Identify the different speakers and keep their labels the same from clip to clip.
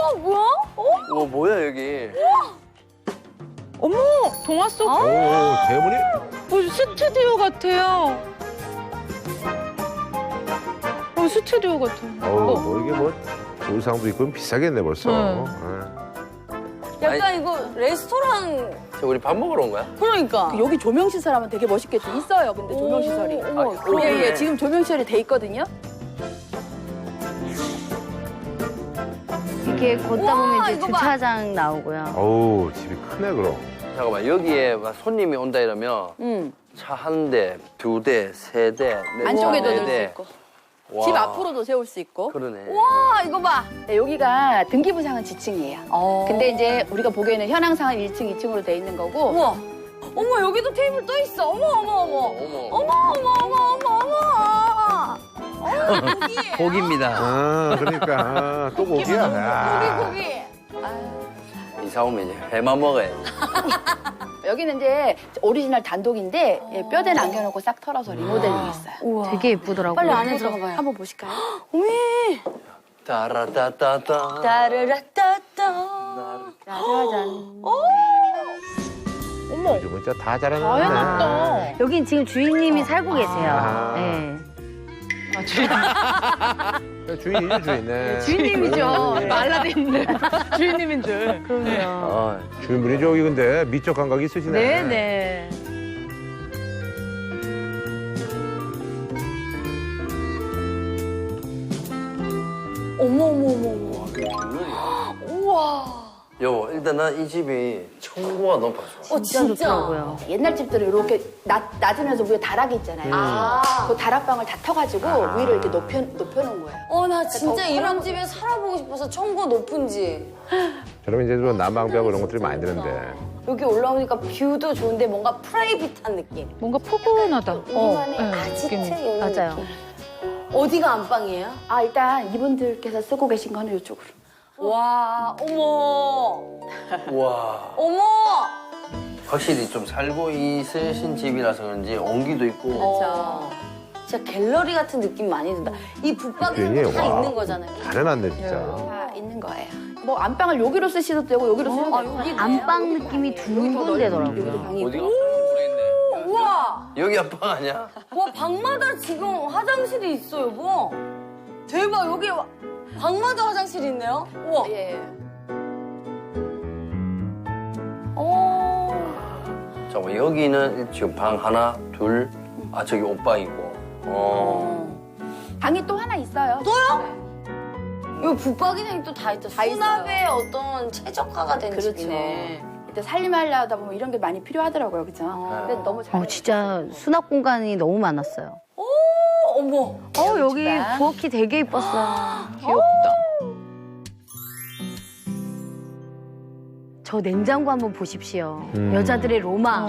Speaker 1: 뭐야?
Speaker 2: 뭐야 여기?
Speaker 3: 어머, 동화 속
Speaker 4: 오, 대문이?
Speaker 3: 스튜디오 같아요. 스튜디오 같아.
Speaker 4: 뭐 이게 뭐 의상도 있고 비싸겠네 벌써.
Speaker 1: 약간 이거 레스토랑.
Speaker 2: 저 우리 밥 먹으러 온 거야?
Speaker 1: 그러니까.
Speaker 5: 여기 조명시설 하면 되게 멋있겠죠? 있어요, 근데 조명시설이. 예, 지금 조명시설이 돼 있거든요.
Speaker 6: 이렇게 걷다 보면 이제 주차장 나오고요.
Speaker 4: 어우 집이 크네 그럼.
Speaker 2: 잠깐만 여기에 막 손님이 온다 이러면 차 한 대, 두 대, 세 대, 네
Speaker 5: 안쪽에도
Speaker 2: 네
Speaker 5: 넣을 수
Speaker 2: 대.
Speaker 5: 있고.
Speaker 2: 와.
Speaker 5: 집 앞으로도 세울 수 있고.
Speaker 2: 그러네.
Speaker 1: 와, 이거 봐.
Speaker 5: 네, 여기가 등기부상은 지층이에요. 근데 이제 우리가 보기에는 현황상은 1층, 2층으로 돼 있는 거고.
Speaker 1: 우와. 어머, 여기도 테이블 떠 있어. 어머, 어머, 어머.
Speaker 2: 어머.
Speaker 1: 어머, 어머, 어머, 어머, 어머.
Speaker 2: 고기입니다.
Speaker 4: 아 그러니까 또 고기야. 야.
Speaker 1: 고기.
Speaker 2: 이사 오면 이제 회만 먹어야지.
Speaker 5: 여기는 이제 오리지널 단독인데 예, 뼈대 남겨놓고 싹 털어서 리모델링 했어요.
Speaker 1: 우와.
Speaker 6: 되게 예쁘더라고요.
Speaker 1: 빨리 안에 들어가봐요.
Speaker 5: 한번 보실까요?
Speaker 1: 어메.
Speaker 2: 따라따따따.
Speaker 1: 따르라따따.
Speaker 5: 짜자잔.
Speaker 3: 어머,
Speaker 4: 요즘 진짜 다
Speaker 3: 다
Speaker 4: 잘하네.
Speaker 3: 해놨다.
Speaker 6: 여긴 지금 주인님이 살고 계세요.
Speaker 4: 아.
Speaker 6: 네.
Speaker 4: 주인이죠 주인네.
Speaker 3: 주인님이죠. 말라딘데 주인님인 줄. 그럼요.
Speaker 2: 아,
Speaker 4: 주인분이 저기 근데 미적 감각이 있으시네.
Speaker 3: 네네.
Speaker 1: 어머, 어머, 어머, 어머.
Speaker 2: 웬일이야?
Speaker 1: 우와.
Speaker 2: 여보, 일단 난 이 집이 청구가 너무 좋아.
Speaker 6: 진짜 좋더라고요.
Speaker 5: 옛날 집들은 이렇게 낮으면서 위에 다락이 있잖아요. 그 다락방을 다 터가지고 위를 이렇게 높여놓은 거예요.
Speaker 1: 나 진짜
Speaker 5: 더
Speaker 1: 이런
Speaker 5: 편하고.
Speaker 1: 집에 살아보고 싶어서 청구 높은 집.
Speaker 4: 저러면 이제 좀 난방비하고 이런 것들이 많이 드는데.
Speaker 1: 여기 올라오니까 뷰도 좋은데 뭔가 프라이빗한 느낌.
Speaker 3: 뭔가 포근하다.
Speaker 1: 우리만의
Speaker 3: 네,
Speaker 1: 아지트
Speaker 3: 느낌이.
Speaker 1: 이런
Speaker 6: 맞아요.
Speaker 1: 느낌. 어디가 안방이에요?
Speaker 5: 일단 이분들께서 쓰고 계신 거는 이쪽으로.
Speaker 1: 와, 어머.
Speaker 2: 와,
Speaker 1: 어머.
Speaker 2: 확실히 좀 살고 있으신 집이라서 그런지 온기도 있고.
Speaker 1: 진짜 갤러리 같은 느낌 많이 든다. 이 붙박이는
Speaker 4: 주인이
Speaker 1: 다
Speaker 4: 와.
Speaker 1: 있는 거잖아요.
Speaker 4: 잘 해놨네 진짜.
Speaker 5: 다 있는 거예요. 뭐 안방을 여기로 쓰셔도 되고 여기로 쓰셔도 되고.
Speaker 1: 여기
Speaker 6: 안방 느낌이 두 군데더라고요.
Speaker 5: 여기도 방이
Speaker 2: 어디가
Speaker 5: 있고.
Speaker 2: 모르겠네.
Speaker 1: 우와.
Speaker 2: 여기 안방 아니야?
Speaker 1: 와, 방마다 지금 화장실이 있어, 여보. 대박, 여기 방마다 화장실이 있네요. 우와.
Speaker 5: 예.
Speaker 2: 잠깐만 여기는 지금 방 하나, 둘, 저기 옷방이고.
Speaker 5: 방이 또 하나 있어요.
Speaker 1: 여기 붙박이는 또 다 있다.
Speaker 5: 다
Speaker 1: 수납의 어떤 최적화가 된
Speaker 5: 그렇죠.
Speaker 1: 집이네.
Speaker 5: 이때 살림하려다 보면 이런 게 많이 필요하더라고요, 그죠? 근데 너무 잘.
Speaker 6: 진짜 수납 공간이 너무 많았어요.
Speaker 1: 어머.
Speaker 6: 여기 부엌이 되게 이뻤어요.
Speaker 3: 귀엽다.
Speaker 6: 저 냉장고 한번 보십시오.
Speaker 4: 음.
Speaker 6: 여자들의 로망.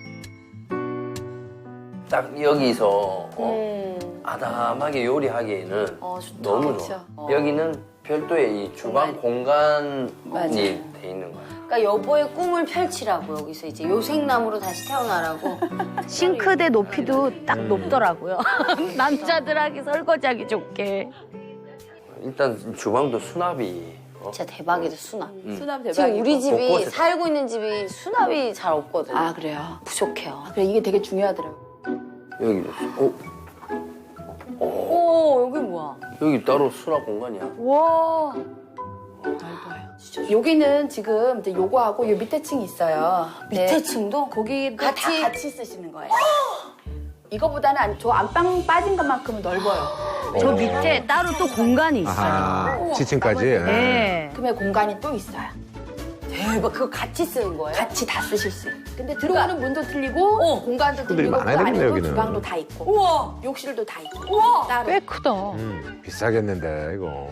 Speaker 2: 딱 여기서 아담하게 요리하기에는
Speaker 1: 좋다.
Speaker 2: 너무
Speaker 5: 그쵸.
Speaker 2: 좋아. 여기는 별도의 이 주방 공간이
Speaker 5: 맞아요.
Speaker 2: 돼 있는 거야.
Speaker 1: 그러니까 여보의 꿈을 펼치라고 여기서 이제 요생남으로 다시 태어나라고.
Speaker 6: 싱크대 높이도 딱 높더라고요. 남자들하기 설거지하기 좋게.
Speaker 2: 일단 주방도 수납이
Speaker 1: 진짜 대박이다, 수납.
Speaker 5: 수납
Speaker 1: 지금
Speaker 5: 대박이고.
Speaker 1: 우리 집이
Speaker 2: 곳곳에
Speaker 1: 살고 있는 집이 수납이 잘 없거든.
Speaker 5: 그래요.
Speaker 1: 부족해요.
Speaker 5: 그래 이게 되게 중요하더라고요.
Speaker 2: 여기도
Speaker 1: 오, 여기 뭐야?
Speaker 2: 여기 따로 수납 공간이야.
Speaker 1: 와.
Speaker 5: 여기는 지금 이제 요거하고 요 밑에 층이 있어요.
Speaker 1: 밑에 층도?
Speaker 5: 거기도
Speaker 1: 같이?
Speaker 5: 다 같이 쓰시는 거예요. 이거보다는 저 안방 빠진 것만큼은 넓어요.
Speaker 6: 저 밑에 따로 또 공간이 있어요.
Speaker 4: 아하 지층까지.
Speaker 6: 네.
Speaker 5: 그러면 공간이 또 있어요.
Speaker 1: 대박, 그거 같이 쓰는 거예요?
Speaker 5: 같이 다 쓰실 수 있어요. 근데 들어오는 문도 틀리고 공간도
Speaker 4: 식구들이
Speaker 5: 틀리고 그
Speaker 4: 많아야 되겠네,
Speaker 5: 안에도
Speaker 4: 여기는.
Speaker 5: 주방도 다 있고
Speaker 1: 우와.
Speaker 5: 욕실도 다 있고
Speaker 1: 우와.
Speaker 5: 따로.
Speaker 3: 꽤 크다.
Speaker 4: 비싸겠는데 이거.